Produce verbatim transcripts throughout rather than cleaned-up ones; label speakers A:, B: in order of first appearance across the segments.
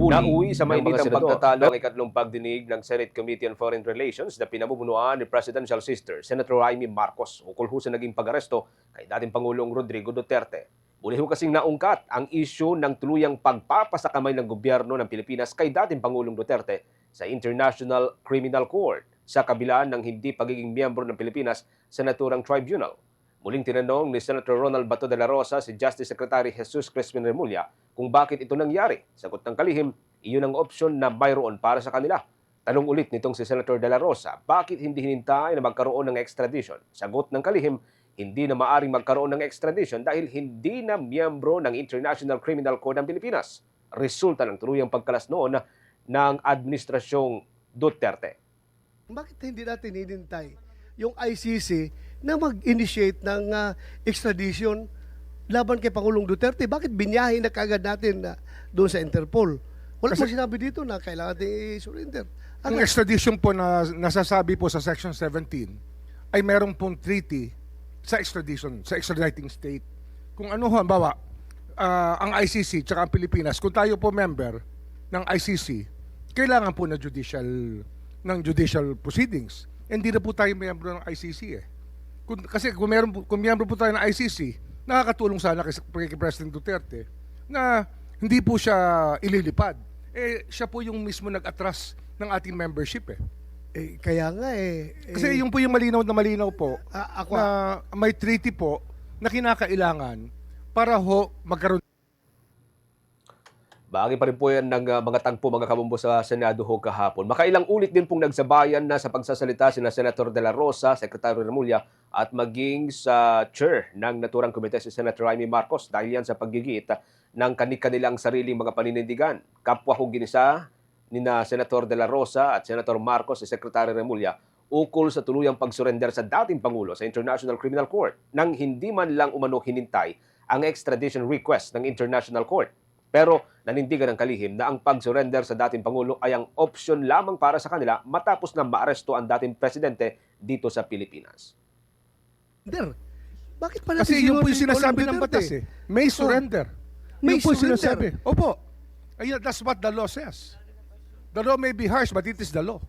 A: Nauwi sa
B: ng mga
A: mainitang
B: senador.
A: pagtatalo ang ikatlong pagdinig ng Senate Committee on Foreign Relations na pinamumunuan ni Presidential Sister Senator Amy Marcos ukol ho sa naging pag-aresto kay dating Pangulong Rodrigo Duterte. Muli ho kasing naungkat ang isyu ng tuluyang pagpapasakamay ng gobyerno ng Pilipinas kay dating Pangulong Duterte sa International Criminal Court sa kabila ng hindi pagiging miyembro ng Pilipinas sa naturang tribunal. Muling tinanong ni Senator Ronald Bato de la Rosa si Justice Secretary Jesus Crispin Remulla kung bakit ito nangyari. Sagot ng kalihim, iyon ang opsyon na mayroon para sa kanila. Tanong ulit nitong si Senator de la Rosa, bakit hindi hinintay na magkaroon ng extradition? Sagot ng kalihim, hindi na maaring magkaroon ng extradition dahil hindi na miyembro ng International Criminal Court ng Pilipinas. Resulta ng tuluyang pagkalas noon ng Administrasyong Duterte.
C: Bakit hindi natin hinintay yung I C C na mag-initiate ng uh, extradition laban kay Pangulong Duterte? Bakit binyahin na kagad natin uh, doon sa Interpol? Wala mo sinabi dito na kailangan natin i-surrender.
D: Ang extradition po na nasasabi po sa Section seventeen ay merong pong treaty sa extradition, sa extraditing state. Kung ano, halimbawa, uh, ang I C C tsaka ang Pilipinas, kung tayo po member ng I C C, kailangan po na judicial ng judicial proceedings. Hindi na po tayo miyembro ng I C C eh. Kung, kasi kung, meron, kung miyembro po tayo ng I C C, nakakatulong sana kay, kay President Duterte na hindi po siya ililipad. Eh, siya po yung mismo nag-atras ng ating membership eh.
C: Eh, kaya nga eh.
D: Kasi
C: eh,
D: yung po yung malinaw na malinaw po
C: ah, ako,
D: na may treaty po na kinakailangan para ho magkaroon.
A: Bahagi pa rin po yan ng uh, mga tagpo mga kabumbo sa Senado ho kahapon. Makailang ulit din pong nagsabayan na sa pagsasalita sina Senator De La Rosa, Secretary Remulla at maging sa chair ng naturang komite si Senator Amy Marcos dahil yan sa paggigit ng kanilang sariling mga paninindigan. Kapwa ho ginisa ni na Senator De La Rosa at Senator Marcos si Secretary Remulla ukol sa tuluyang pagsurrender sa dating Pangulo sa International Criminal Court nang hindi man lang umano hinintay ang extradition request ng International Court. Pero nanindigan ng kalihim na ang pag-surrender sa dating Pangulo ay ang opsyon lamang para sa kanila matapos na maaresto ang dating presidente dito sa Pilipinas.
C: surrender. Bakit pa natin
D: Kasi yun po yung
C: sinunod
D: sinasabi
C: Pangulong
D: ng batas
C: Duterte?
D: eh. May surrender.
C: May
D: Yun po yung
C: surrender.
D: sinasabi. Opo. Ayun, that's what the law says. The law may be harsh, but it is the law.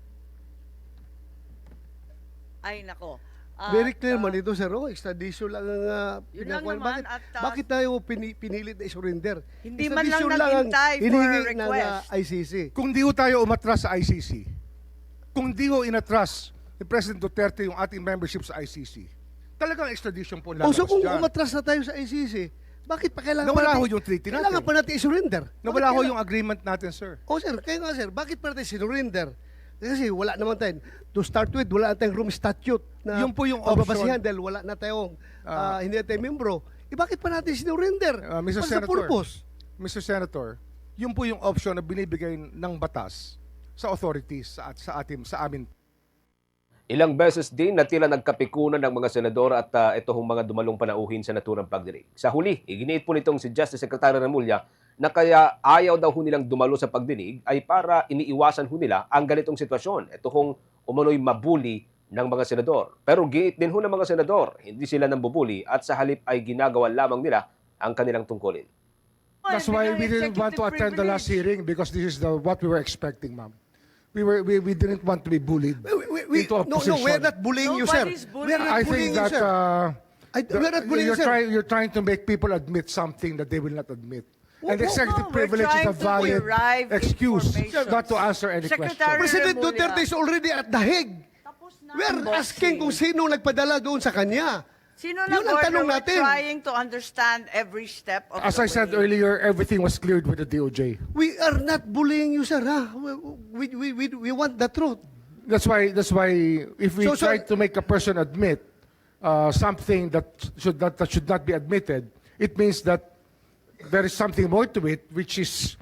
E: Ay, nako. Ah,
C: Very clear
E: ah,
C: man ito, sir. Oh, extradition lang ang uh,
E: Yun lang
C: pinakuan.
E: naman,
C: Bakit,
E: at, ah,
C: bakit tayo pini, pinilit na i-surrender?
E: Hindi man lang
C: Extradition ang
E: naghintay for
C: hinihingi
E: a
C: ng
E: request.
C: uh, I C C.
D: Kung di ho tayo umatras sa I C C, kung di ho inatras ni President Duterte yung ating membership sa I C C, talagang extradition po
C: O
D: lalabas
C: so kung
D: dyan.
C: umatras na tayo sa I C C, bakit pa kailangan
D: Nawala
C: pa
D: ho
C: natin,
D: yung treaty natin.
C: Kailangan pa natin i-surrender.
D: Nawala
C: Bakit
D: ho
C: kailangan-
D: yung agreement natin, sir.
C: O sir, kaya nga sir, bakit pa natin sinurrender? Kasi wala naman tayo. To start with, wala na tayong room statute na
D: Yung po yung option.
C: pagbabasihan dahil wala na tayong, ah,
D: Ah.
C: hindi na tayo membro. Eh bakit pa natin sinurrender?
D: Uh, Mister
C: What's the
D: Senator,
C: purpose?
D: Mister Senator, yun po yung option na binibigay ng batas sa authorities sa, sa atin sa amin.
A: Ilang beses din na tila nagkapikunan ng mga senador at uh, ito hong mga dumalong panauhin sa naturang pagdinig. Sa huli, iginiit po nitong si Justice Secretary Remulla na kaya ayaw daw ho nilang dumalo sa pagdinig ay para iniiwasan ho nila ang ganitong sitwasyon. Ito hong umano'y mabuli ng mga senador. Pero giit din ho ng mga senador, hindi sila nang bubuli at sa halip ay ginagawa lamang nila ang kanilang tungkulin.
D: That's why we didn't want to attend the last hearing because this is the what we were expecting, ma'am. We were we, we didn't want to be bullied
C: We, we, we,
D: into a
C: no, no,
D: position.
C: we're not bullying you, sir.
E: Nobody's
C: We're not
D: I
C: bullying
D: think
C: you,
D: that
C: sir.
D: uh,
C: I,
D: the-
C: we're not bullying you,
D: you're
C: sir.
D: trying you're trying to make people admit something that they will not admit. And
E: no,
D: executive
E: no, we're
D: privilege is a
E: trying to
D: valid
E: derive
D: excuse
E: information.
D: not to answer any
E: Secretary
D: question.
C: President
E: Remulla.
C: Duterte is already at the Hague.
E: Tapos na
C: We're
E: ang
C: asking
E: boxing.
C: kung sino nagpadala doon sa kanya.
E: Sino
C: Yun
E: na
C: ang tanong
E: We're
C: natin.
E: trying to understand every step of
D: As
E: the
D: I said
E: way.
D: earlier, everything was cleared with the D O J.
C: We are not bullying you, sir. Ha? We, we, we, we want the truth.
D: That's why that's why if we
C: So, so-
D: try to make a person admit uh, something that should not that should not be admitted, it means that there is something more to it, which is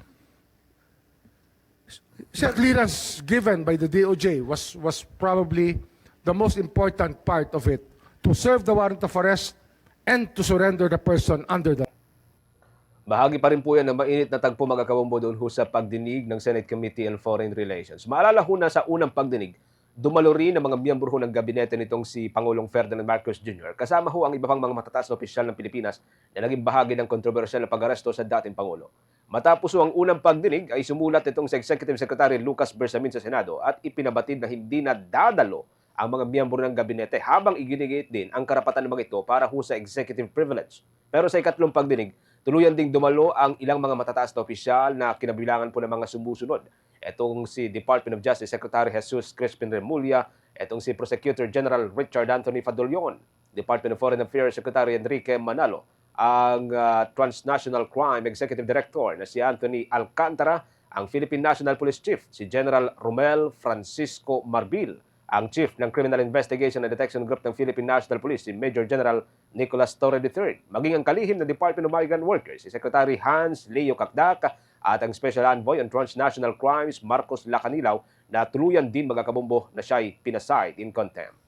D: the clearance given by the D O J was was probably the most important part of it, to serve the warrant of arrest and to surrender the person under the.
A: Bahagi pa rin po yan ng mainit na tagpo mga kabombo doon ho sa pagdinig ng Senate Committee on Foreign Relations. Maalala ho na sa unang pagdinig, dumalo rin ang mga miyembro ho ng gabinete nitong si Pangulong Ferdinand Marcos Junior Kasama ho ang iba pang mga matataas na opisyal ng Pilipinas na naging bahagi ng kontrobersyal na pag-aresto sa dating Pangulo. Matapos ang unang pagdinig ay sumulat itong si Executive Secretary Lucas Bersamin sa Senado at ipinabatid na hindi na dadalo ang mga miyembro ng gabinete habang iginigit din ang karapatan ng mga ito para ho sa executive privilege. Pero sa ikatlong pagdinig, tuluyan ding dumalo ang ilang mga matataas na opisyal na kinabilangan po ng mga sumusunod. Itong si Department of Justice Secretary Jesus Crispin Remulla, itong si Prosecutor General Richard Anthony Fadolion, Department of Foreign Affairs Secretary Enrique Manalo, ang uh, Transnational Crime Executive Director na si Anthony Alcantara, ang Philippine National Police Chief si General Romel Francisco Marbil, ang Chief ng Criminal Investigation and Detection Group ng Philippine National Police si Major General Nicolas Torre the third, maging ang kalihim ng Department of Migrant Workers si Secretary Hans Leo Kakdak at ang Special Envoy on Transnational Crimes Marcos Lacanilaw na tuluyan din magkakabombo na siya'y pinaside in contempt.